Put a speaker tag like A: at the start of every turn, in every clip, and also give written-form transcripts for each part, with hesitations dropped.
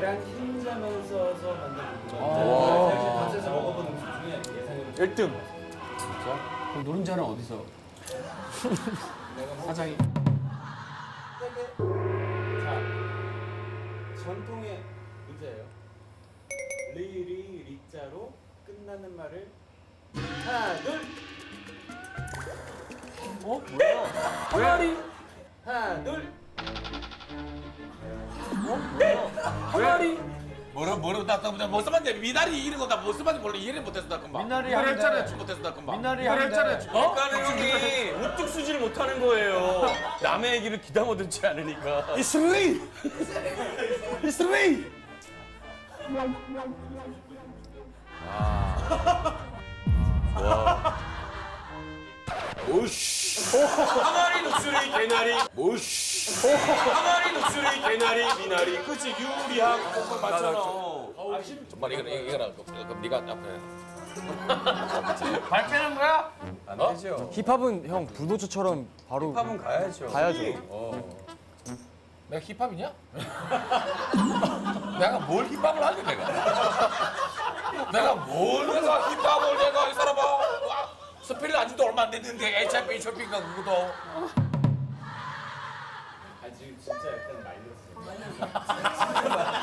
A: 계란 흰자만 써서 만든 거. 밥에서 먹어본 음식 중에 예상으로
B: 1등.
C: 그럼 노른자는 어디서? 사장이.
A: 자, 전통의 문제예요. 리자로 끝나는 말을 하나, 둘.
B: 항아리.
A: 하나, 둘.
B: 항아리.
D: 뭐로 나뭐 써봤는데 미나리 이런 거나 뭐 써봤는지 몰라 이해를 못해서 나 금방.
B: 미나리
D: 이걸
B: 하는데.
D: 했잖아요. 못해서 나 금방.
B: 미나리
D: 이걸
B: 하는데.
D: 했잖아요.
E: 그러니까 형이 우뚝 쓰지를 못하는 거예요. 남의 얘기를 귀담아 듣지 않으니까.
B: 이슬리. 이슬리.
E: 오씨. 항아리 녹수리 개나리. 오씨. 항아리 녹수리 개나리 미나리. 그치 유리한 그거 맞잖아.
D: 정말 이거라 그럼 네가 앞에.
B: 발 빼는 거야?
E: 안 되죠.
B: 힙합은 형 불도저처럼 바로
E: 힙합은 가야죠.
B: 가야죠.
D: 내가 힙합이냐? 내가 뭘 힙합을 하게 내가? 내가 힙합을 내가 이 사람아 스피를 안 지도 얼마 안 됐는데 HIV 쇼핑가 그거도
A: 아, 지금 진짜 약간 말렸어.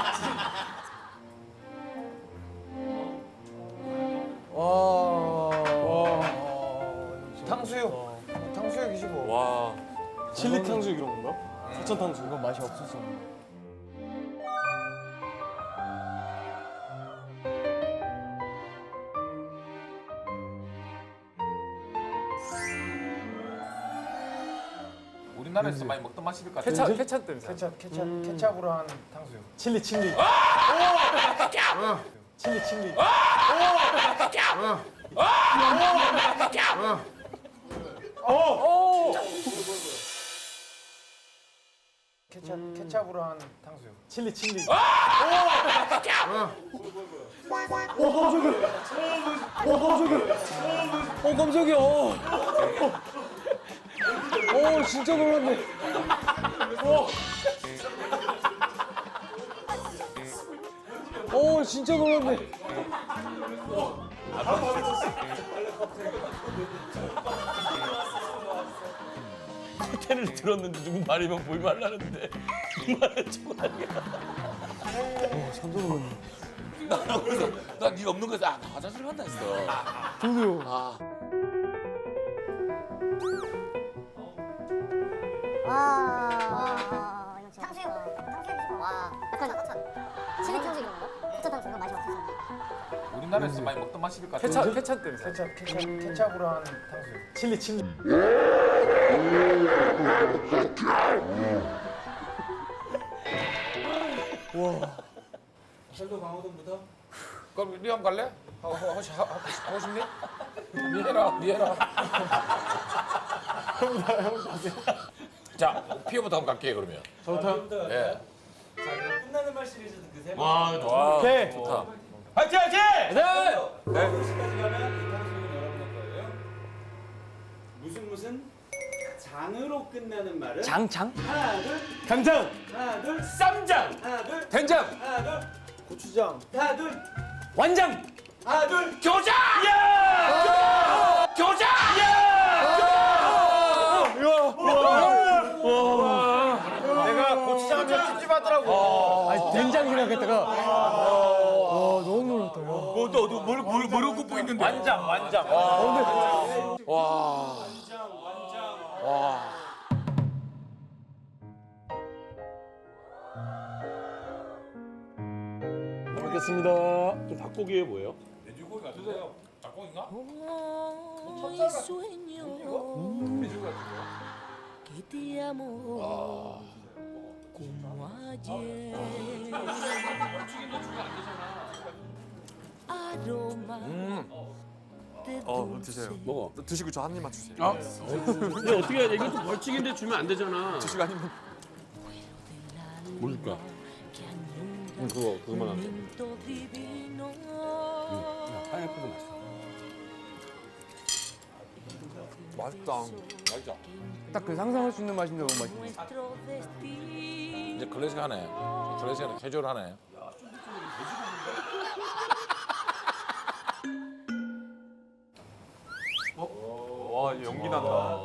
B: 탕수육. 탕수육이지 뭐.
E: 와.
B: 칠리 탕수육 이런 건가? 사천 탕수육. 이건 맛이 없었어.
D: 우리나라에서 많이 먹던 맛일 것 같아.
B: 케찹 때문에. 케찹으로 한 탕수육. 칠리. 칠리. 케찹으로 한 탕수육. 칠리. 깜짝이야. 진짜 놀랐네. 진짜 놀랐네.
E: 텐을 들었는데 누구 말이면 보이 말라는데 이 말은 좀 아니야.
D: 나는 그래서 나네 없는 거에서 나 화장실 간다 했어.
B: 저도요.
F: 와. 탕수육. 와. 약간 칠리 탕수육 이런 거? 부천 탕수육 맛이 없어서.
D: 우리나라에서 많이 먹던 맛일 것 같아.
B: 케찹 때문에. 케찹으로 한 탕수육. 칠리.
A: 설도 강호동부터.
D: 그럼 니 한번 갈래? 하고 싶니? 니 해라. 자, 피어부터 한번 갈게요 그러면.
A: 저부터.
D: 예.
A: 자, 그럼 끝나는 말 시리즈 드세요.
B: 오케이.
D: 좋다.
E: 화이팅 화이팅!
A: 네. 시까지 가면 이 탕수육은 여러분의 거예요. 무슨 장으로 끝나는 말은
B: 장.
A: 하나, 둘.
B: 간장.
A: 하나, 둘.
E: 쌈장.
A: 하나, 둘.
B: 된장.
A: 하나, 둘.
B: 고추장.
A: 하나, 둘.
B: 완장.
A: 하나, 둘.
D: 교자! 교자!
B: 내가 고추장 좀 찝찝하더라고. 아니 된장 생각했다가 너무 놀랐다.
D: 뭐로 굽고 있는데?
E: 완장.
D: 와.
B: 먹겠습니다.
E: 닭고기에 뭐예요?
D: 돼지고기 같은데요? 닭고기인가?
G: Y sueño que te amo como ayer. Aroma de
B: 드세요.
G: dulce
E: 먹어.
B: 드시고 저 한 입만 주세요.
E: 근데 어떻게 해야 돼? 이것도 벌칙인데 주면 안 되잖아.
B: 드시고 한 입만.
E: 뭐 줄까?
G: que añora
E: 그거만 안 돼.
G: momento divino.
E: 파인애플도 맛있어.
B: 맛있다.
D: 맛있죠?
B: 딱 그 상상할 수 있는 맛인데 너무 맛있네.
G: Nuestro destino.
D: 이제 클래식하네. 클래식하네. 캐주얼하네.
E: 와 연기 난다.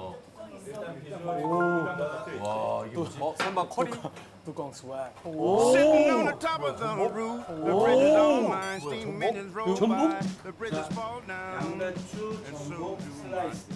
D: 와 이게 뭐지?
C: 설마 커리?
B: 뚜껑 스웩.
H: Sitting on the top of the roof, the bridge is all mine. Steam engines roll by, the bridges fall down.
A: 양배추, 전복, 슬라이스.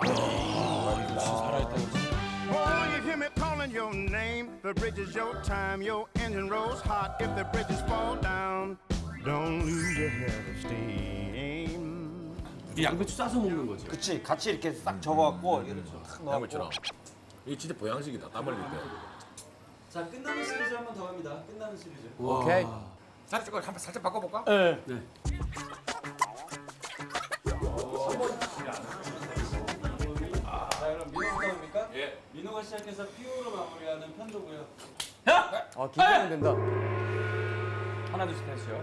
H: Oh, you hear me calling your name. The bridge is your time. Your engine rolls hot. If the bridges fall down, don't lose your head of steam.
C: 이 양배추 싸서 먹는 거지.
B: 그치, 같이 이렇게 싹 적어갖고 이렇게 탁 넣어.
D: 양배추랑. 이게 진짜 보양식이다. 땀 흘릴 때.
A: 자, 끝나는 시리즈 한 번 더 갑니다. 끝나는 시리즈.
B: 오케이.
D: 살짝 한번 살짝 바꿔볼까?
B: 네.
A: 자, 그럼 민호부터입니까?
D: 예.
A: 민호가 시작해서 피오로 마무리하는 편도고요.
B: 아, 긴장된다.
C: 하나 둘셋 하시죠.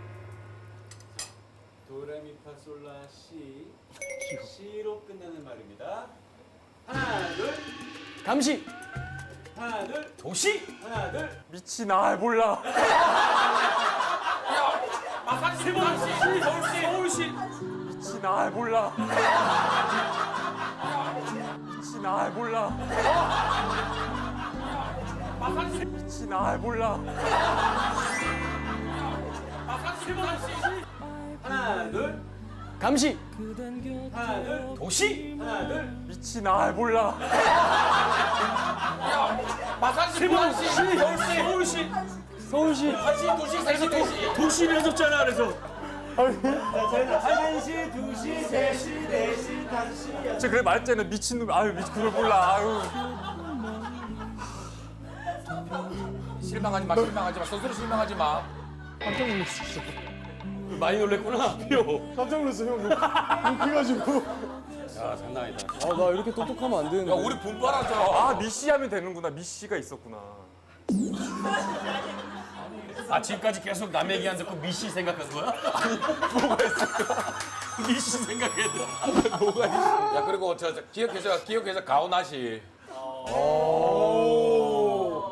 A: 도레미파솔라시 시로 끝나는 말입니다. 하나, 둘,
B: 감시.
A: 하나, 둘,
B: 도시.
A: 하나, 둘.
B: 미친, 아, 몰라.
D: 마사지 서울시.
B: 서울시. 미친, 아, 몰라. 미친, 아, 몰라. 미친, 아, 몰라.
A: 하나, 둘,
B: 감시.
A: 하나, 둘,
B: 도시.
A: 하나, 둘.
B: 미친, 아, 몰라.
D: 마사지 서울시.
B: 서울시.
D: 한시 도시 세시 대시.
E: 도시를 해줬잖아 그래서.
A: 자, 저희는 1시, 2시, 3시, 4시, 5시.
B: 저 그래 말했잖아. 미친놈. 아유, 미친 그걸 몰라. 아유.
D: 실망하지 마. 스스로 실망하지 마.
B: 깜짝 놀랐어, 진짜.
E: 많이 놀랬구나. 피오.
B: 깜짝 놀랐어, 형. 그래가지고.
C: 야 장난 아니다.
B: 아, 나 이렇게 똑똑하면 안 되는데.
D: 야 우리 분발하자.
B: 아, 미씨 하면 되는구나. 미씨가 있었구나.
E: 아 지금까지 계속 남 얘기 안 듣고 미씨 생각한 거야? 뭐가 있을까? 미씨 생각했다.
D: 야 그리고 저 기억해서 가오나시.